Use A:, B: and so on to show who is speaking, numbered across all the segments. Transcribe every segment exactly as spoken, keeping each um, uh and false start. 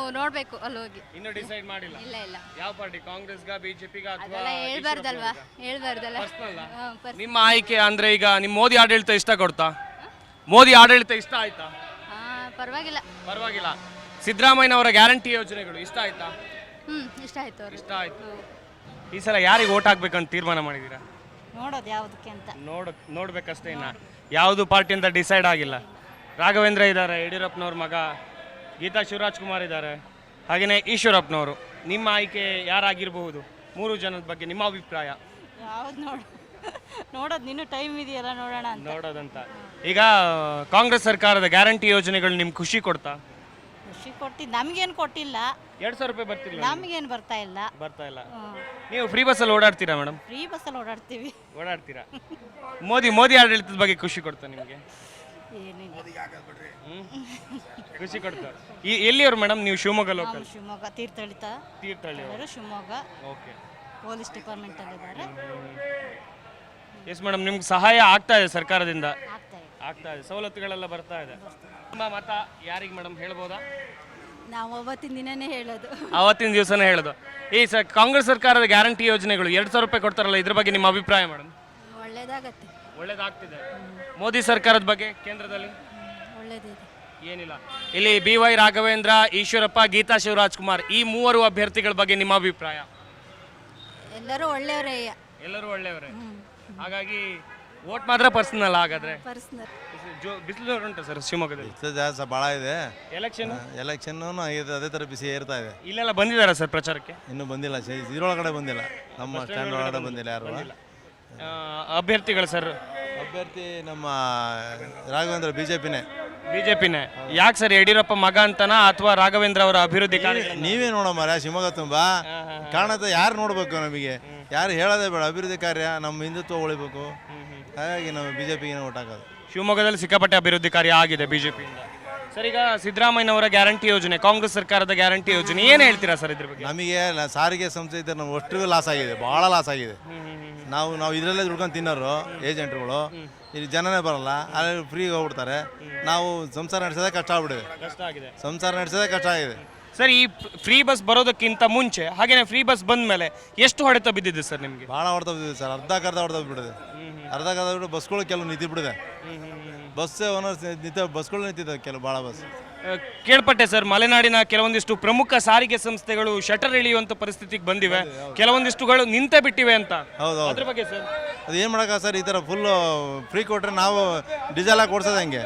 A: ನೋಡ್ಬೇಕು ಅಲ್ಲಿ ಹೋಗಿ.
B: ಇನ್ನು ಡಿಸೈಡ್ ಮಾಡಿಲ್ಲ?
A: ಇಲ್ಲ ಇಲ್ಲ.
B: ಯಾವ ಪಾರ್ಟಿ, ಕಾಂಗ್ರೆಸ್ಗ, ಬಿಜೆಪಿಗ ಅಥವಾ
A: ಅದೆಲ್ಲ ಹೇಳ್ಬಾರ್ದಲ್ವಾ, ಹೇಳ್ಬಾರ್ದಲ್ಲ.
B: ಪರ್ಸನಲ್
A: ಹಾ, ಪರ್ಸ್-
B: ನಿಮ್ಮ ಆಯ್ಕೆ ಅಂದ್ರೆ ಈಗ ನಿಮ್ ಮೋದಿ ಆಡಳಿತ ಇಷ್ಟ ಕೊಡ್ತಾ? ಮೋದಿ ಆಡಳಿತ ಇಷ್ಟ ಆಯ್ತಾ?
A: ಹಾ, ಪರವಾಗಿಲ್ಲ.
B: ಪರವಾಗಿಲ್ಲ. ಸಿದ್ದರಾಮಯ್ಯ ಅವರ ಗ್ಯಾರಂಟಿ ಯೋಜನೆಗಳು ಇಷ್ಟ ಆಯ್ತಾ?
A: ಹ್ಮ್ ಇಷ್ಟ ಆಯ್ತು ಅವ್ರಿಗೆ.
B: ಇಷ್ಟ ಆಯ್ತು. ಈ ಸಲ ಯಾರಿಗೆ ಓಟ್ ಹಾಕ್ಬೇಕಂತ ತೀರ್ಮಾನ ಮಾಡಿದೀರಾ?
C: ನೋಡೋದು ಯಾವುದಕ್ಕೆ ಅಂತ
B: ನೋಡ್ ನೋಡ್ಬೇಕಷ್ಟೇ, ಇನ್ನ ಯಾವುದು ಪಾರ್ಟಿ ಅಂತ ಡಿಸೈಡ್ ಆಗಿಲ್ಲ. ರಾಘವೇಂದ್ರ ಇದ್ದಾರೆ, ಯಡಿಯೂರಪ್ಪನವ್ರ ಮಗ. ಗೀತಾ ಶಿವರಾಜ್ ಕುಮಾರ್ ಇದ್ದಾರೆ, ಹಾಗೆಯೇ ಈಶ್ವರಪ್ಪನವರು. ನಿಮ್ಮ ಆಯ್ಕೆ ಯಾರಾಗಿರಬಹುದು? ಮೂರು ಜನದ ಬಗ್ಗೆ ನಿಮ್ಮ ಅಭಿಪ್ರಾಯ?
C: ಯಾವ್ದು ನೋಡ ನೋಡೋದು ಇನ್ನೂ ಟೈಮ್ ಇದೆಯಲ್ಲ, ನೋಡೋಣ ಅಂತ.
B: ನೋಡೋದಂತ. ಈಗ ಕಾಂಗ್ರೆಸ್ ಸರ್ಕಾರದ ಗ್ಯಾರಂಟಿ ಯೋಜನೆಗಳು ನಿಮ್ಗೆ ಖುಷಿ ಕೊಡ್ತಾ?
C: ಖುಷಿ ಕೊಟ್ಟಿದ್ದು ನಮಗೇನು ಕೊಟ್ಟಿಲ್ಲ,
B: ಎರಡ್ ಸಾವಿರ ರೂಪಾಯಿ ಬರ್ತಿಲ್ಲ?
C: ನಮಗೇನು ಬರ್ತಾ ಇಲ್ಲ.
B: ಬರ್ತಾ ಇಲ್ಲ. ನೀವು ಫ್ರೀ ಬಸ್ಸಲ್ಲಿ ಓಡಾಡ್ತೀರಾ ಮೇಡಮ್?
C: ಫ್ರೀ ಬಸ್ಸಲ್ಲಿ ಓಡಾಡ್ತೀವಿ.
B: ಓಡಾಡ್ತೀರಾ? ಮೋದಿ ಮೋದಿ ಆಡಳಿತದ ಬಗ್ಗೆ ಖುಷಿ ಕೊಡ್ತಾ ನಿಮಗೆ?
C: ಏನಿಲ್ಲ,
B: ಖುಷಿ ಕೊಡ್ತಾರೆ. ಈ ಎಲ್ಲಿಯವರು ಮೇಡಮ್ ನೀವು? ಶಿವಮೊಗ್ಗ
C: ನಾವು
B: ಲೋಕಲ್?
C: ಶಿವಮೊಗ್ಗ ತೀರ್ಥಹಳ್ಳಿ
B: ತೀರ್ಥಹಳ್ಳಿ ಅವರು.
C: ಶಿವಮೊಗ್ಗ
B: ಓಕೆ.
C: ಪೊಲೀಸ್ ಡಿಪಾರ್ಟ್ಮೆಂಟಲ್ಲಿದ್ದಾರೆ.
B: ಎಸ್ ಮೇಡಮ್, ನಿಮ್ಗೆ ಸಹಾಯ ಆಗ್ತಾ ಇದೆ ಸರ್ಕಾರದಿಂದ?
C: ಆಗ್ತಾ ಇದೆ.
B: ಆಗ್ತಾ ಇದೆ, ಸವಲತ್ತುಗಳೆಲ್ಲ ಬರ್ತಾ ಇದೆ. ನಿಮ್ಮ ಮತ ಯಾರಿಗೆ ಮೇಡಮ್ ಹೇಳ್ಬೋದಾ?
A: ನಾವು ಅವತ್ತಿನ ದಿನನೇ ಹೇಳೋದು.
B: ಅವತ್ತಿನ ದಿವಸನೇ ಹೇಳೋದು. ಈ ಸ ಕಾಂಗ್ರೆಸ್ ಸರ್ಕಾರದ ಗ್ಯಾರಂಟಿ ಯೋಜನೆಗಳು ಎರಡು ಸಾವಿರ ರೂಪಾಯಿ ಕೊಡ್ತಾರಲ್ಲ, ಇದ್ರ ಬಗ್ಗೆ ನಿಮ್ಮ ಅಭಿಪ್ರಾಯ ಮೇಡಮ್?
A: ಒಳ್ಳೇದಾಗತ್ತೆ.
B: ಒಳ್ಳೇದಾಗ್ತಿದೆ. ಮೋದಿ ಸರ್ಕಾರದ ಬಗ್ಗೆ ಕೇಂದ್ರದಲ್ಲಿ
A: ಒಳ್ಳೇದಿದೆ.
B: ಏನಿಲ್ಲ. ಇಲ್ಲಿ ಬಿ ವೈ ರಾಘವೇಂದ್ರ, ಈಶ್ವರಪ್ಪ, ಗೀತಾ ಶಿವರಾಜ್ ಕುಮಾರ್, ಈ ಮೂವರು ಅಭ್ಯರ್ಥಿಗಳ ಬಗ್ಗೆ ನಿಮ್ಮ ಅಭಿಪ್ರಾಯ?
A: ಎಲ್ಲರೂ ಒಳ್ಳೆಯವರೇ.
B: ಎಲ್ಲರೂ ಒಳ್ಳೆಯವರೇ. ಹಾಗಾಗಿ ವೋಟ್ ಮಾತ್ರ ಪರ್ಸನಲ್. ಹಾಗಾದ್ರೆ
A: ಪರ್ಸನಲ್.
B: ಬಿಸಿಲು ಉಂಟು ಸರ್ ಶಿವಮೊಗ್ಗದಲ್ಲಿ?
D: ಬಿಸಿಲು ಜಾಸ್ತಿ ಭಾಳ ಇದೆ.
B: ಎಲೆಕ್ಷನ್
D: ಎಲೆಕ್ಷನ್ ಅದೇ ಥರ ಬಿಸಿ ಏರ್ತಾ ಇದೆ.
B: ಇಲ್ಲೆಲ್ಲ ಬಂದಿದ್ದಾರಾ ಸರ್ ಪ್ರಚಾರಕ್ಕೆ?
D: ಇನ್ನೂ ಬಂದಿಲ್ಲ, ಇದ್ರೊಳಗಡೆ ಬಂದಿಲ್ಲ, ನಮ್ಮ ಸ್ಟ್ಯಾಂಡ್ ಒಳಗಡೆ ಬಂದಿಲ್ಲ ಯಾರು.
B: ಆ, ಅಭ್ಯರ್ಥಿಗಳು ಸರ್?
D: ಅಭ್ಯರ್ಥಿ ನಮ್ಮ ರಾಘವೇಂದ್ರ ಬಿ ಜೆ ಪಿನೇ.
B: ಬಿಜೆಪಿನೇ. ಯಾಕೆ ಸರ್, ಯಡಿಯೂರಪ್ಪ ಮಗ ಅಂತನಾ ಅಥವಾ ರಾಘವೇಂದ್ರ ಅವರ ಅಭಿವೃದ್ಧಿ ಕಾರ್ಯ?
D: ನೀವೇ ನೋಡಮ್ಮ, ಶಿವಮೊಗ್ಗ ತುಂಬಾ ಕಾಣುತ್ತೆ. ಯಾರು ನೋಡ್ಬೇಕು ನಮಗೆ? ಯಾರು ಹೇಳೋದೇ ಬೇಡ. ಅಭಿವೃದ್ಧಿ ಕಾರ್ಯ, ನಮ್ಮ ಹಿಂದುತ್ವ ಉಳಿಬೇಕು. ಹಾಗಾಗಿ ನಾವು ಬಿ ಜೆ ಪಿಗೆ ಓಟ್ ಹಾಕೋದು.
B: ಶಿವಮೊಗ್ಗದಲ್ಲಿ ಸಿಕ್ಕಾಪಟ್ಟೆ ಅಭಿವೃದ್ಧಿ ಕಾರ್ಯ ಆಗಿದೆ ಬಿಜೆಪಿಯಿಂದ. ಸರ್, ಈಗ ಸಿದ್ದರಾಮಯ್ಯನವರ ಗ್ಯಾರಂಟಿ ಯೋಜನೆ, ಕಾಂಗ್ರೆಸ್ ಸರ್ಕಾರದ ಗ್ಯಾರಂಟಿ ಯೋಜನೆ, ಏನು ಹೇಳ್ತೀರಾ ಸರ್ ಇದ್ರ ಬಗ್ಗೆ?
D: ನಮಗೆ ಸಾರಿಗೆ ಸಂಸ್ಥೆ ಇದ್ದರೆ ನಾವು ಅಷ್ಟಿಗೂ ಲಾಸ್ ಆಗಿದೆ, ಭಾಳ ಲಾಸ್ ಆಗಿದೆ. ನಾವು ನಾವು ಇದರಲ್ಲೇ ದುಡ್ಕೊಂಡು ತಿನ್ನೋರು ಏಜೆಂಟ್ರುಗಳು. ಇಲ್ಲಿ ಜನನೇ ಬರಲ್ಲ, ಅಲ್ಲಿ ಫ್ರೀ ಹೋಗ್ಬಿಡ್ತಾರೆ. ನಾವು ಸಂಸಾರ ನಡೆಸೋದೇ ಕಷ್ಟ ಆಗ್ಬಿಟ್ಟಿದೆ.
B: ಕಷ್ಟ ಆಗಿದೆ,
D: ಸಂಸಾರ ನಡೆಸೋದೇ ಕಷ್ಟ ಆಗಿದೆ
B: ಸರ್. ಈ ಫ್ರೀ ಬಸ್ ಬರೋದಕ್ಕಿಂತ ಮುಂಚೆ, ಹಾಗೇನೆ ಫ್ರೀ ಬಸ್ ಬಂದ ಮೇಲೆ ಎಷ್ಟು ಹೊಡೆತ ಬಿದ್ದಿದೆ ಸರ್ ನಿಮಗೆ?
D: ಭಾಳ ಹೊಡೆತ ಬಿದ್ದಿದೆ ಸರ್. ಅರ್ಧಕ್ಕರ್ಧ ಹೊಡೆತ ಬಿಟ್ಟಿದೆ. ಅರ್ಧಕ್ಕರ್ಧ ಬಿಟ್ಟು ಬಸ್ಗಳು ಕೆಲವು ನಿಂತು ಬಿಟ್ಟಿದೆ. ಬಸ್ ಓನರ್ಸ್ ನಿಂತ ಬಸ್ಗಳು ನಿಂತಿದೆ ಕೆಲವು, ಭಾಳ ಬಸ್.
B: ಕೇಳ್ಪಟ್ಟೆ ಸರ್, ಮಲೆನಾಡಿನ ಕೆಲವೊಂದಿಷ್ಟು ಪ್ರಮುಖ ಸಾರಿಗೆ ಸಂಸ್ಥೆಗಳು ಶಟರ್ ಇಳಿಯುವಂತ ಪರಿಸ್ಥಿತಿಗೆ ಬಂದಿವೆ, ಕೆಲವೊಂದಿಷ್ಟುಗಳು ನಿಂತೇ ಬಿಟ್ಟಿವೆ ಅಂತ.
D: ಹೌದು,
B: ಅದ್ರ ಬಗ್ಗೆ ಸರ್?
D: ಅದು ಏನು ಮಾಡೋಕ್ಕ ಸರ್, ಈ ಥರ ಫುಲ್ಲು ಫ್ರೀ ಕೊಟ್ಟರೆ ನಾವು ಡೀಸೆಲ್ ಹಾಕಿ ಓಡಿಸೋದು ಹೆಂಗೆ?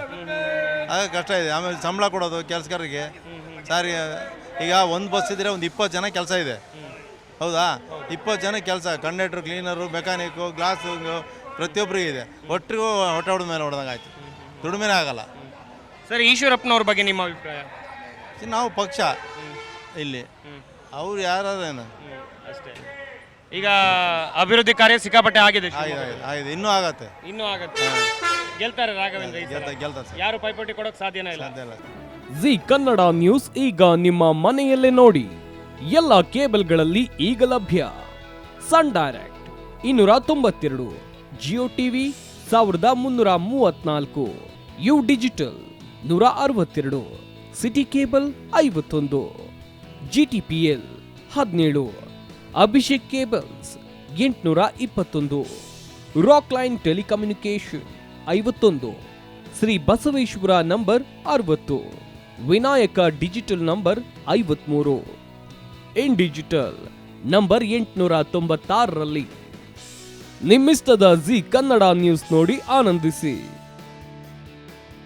D: ಆಗ ಕಷ್ಟ ಇದೆ. ಆಮೇಲೆ ಸಂಬಳ ಕೊಡೋದು ಕೆಲಸಗಾರರಿಗೆ. ಸಾರಿಗೆ ಈಗ ಒಂದು ಬಸ್ ಇದ್ದರೆ ಒಂದು ಇಪ್ಪತ್ತು ಜನ ಕೆಲಸ ಇದೆ, ಹೌದಾ? ಇಪ್ಪತ್ತು ಜನ ಕೆಲಸ, ಕಂಡಕ್ಟ್ರು, ಕ್ಲೀನರು, ಮೆಕ್ಯಾನಿಕ್ಕು, ಗ್ಲಾಸು, ಪ್ರತಿಯೊಬ್ಬರಿಗೆ ಇದೆ. ಒಟ್ಟಿಗೂ ಹೊಟ್ಟೆ ಹೊಡೆದ ಮೇಲೆ ಹೊಡೆದಂಗೆ ಆಯ್ತು, ದುಡಿಮೆನೇ ಆಗಲ್ಲ.
B: ಸರ್, ಈಶ್ವರಪ್ಪನವ್ರ ಬಗ್ಗೆ ನಿಮ್ಮ ಅಭಿಪ್ರಾಯ?
D: ನಾವು ಪಕ್ಷ ಇಲ್ಲಿ, ಅವ್ರು ಯಾರೇನು
B: ಅಷ್ಟೇ. ಈಗ ಅಭಿವೃದ್ಧಿ ಕಾರ್ಯ ಸಿಕ್ಕಾಪಟ್ಟೆ ಆಗಿದೆ,
D: ಆಗಿದೆ ಆಗಿದೆ ಇನ್ನೂ ಆಗತ್ತೆ,
B: ಇನ್ನೂ ಆಗತ್ತೆ. ಗೆಲ್ತಾರೆ ರಾಘವೇಂದ್ರ ಈ ಸಲ?
D: ಗೆಲ್ತಾರೆ ಸರ್,
B: ಯಾರು ಪೈಪೋಟಿ ಕೊಡೋಕೆ ಸಾಧ್ಯನೇ ಇಲ್ಲ.
D: ಸಾಧ್ಯ ಇಲ್ಲ.
E: ಜಿ ಕನ್ನಡ ನ್ಯೂಸ್ ಈಗ ನಿಮ್ಮ ಮನೆಯಲ್ಲೇ ನೋಡಿ. ಎಲ್ಲ ಕೇಬಲ್ಗಳಲ್ಲಿ ಈಗ ಲಭ್ಯ. ಸನ್ ಡೈರೆಕ್ಟ್ ಇನ್ನೂರ ತೊಂಬತ್ತೆರಡು, ಜಿಯೋ ಟಿವಿ ಸಾವಿರದ ಮುನ್ನೂರ ಮೂವತ್ನಾಲ್ಕು, ಯು ಡಿಜಿಟಲ್ ನೂರ ಅರವತ್ತೆರಡು, ಸಿಟಿ ಕೇಬಲ್ ಐವತ್ತೊಂದು, ಜಿ ಟಿ ಪಿ ಎಲ್ ಹದಿನೇಳು, ಅಭಿಷೇಕ್ ಕೇಬಲ್ಸ್ ಎಂಟುನೂರ ಇಪ್ಪತ್ತೊಂದು, ರಾಕ್ ಲೈನ್ ಟೆಲಿಕಮ್ಯುನಿಕೇಶನ್ ಐವತ್ತೊಂದು, ಶ್ರೀ ಬಸವೇಶ್ವರ ನಂಬರ್ ಅರವತ್ತು, ವಿನಾಯಕ ಡಿಜಿಟಲ್ ನಂಬರ್ ಐವತ್ಮೂರು, ಇನ್ ಡಿಜಿಟಲ್ ನಂಬರ್ ಎಂಟುನೂರ ತೊಂಬತ್ತಾರರಲ್ಲಿ. ನಿಮ್ಮಿಸ್ತದ ಜಿ ಕನ್ನಡ ನ್ಯೂಸ್ ನೋಡಿ ಆನಂದಿಸಿ.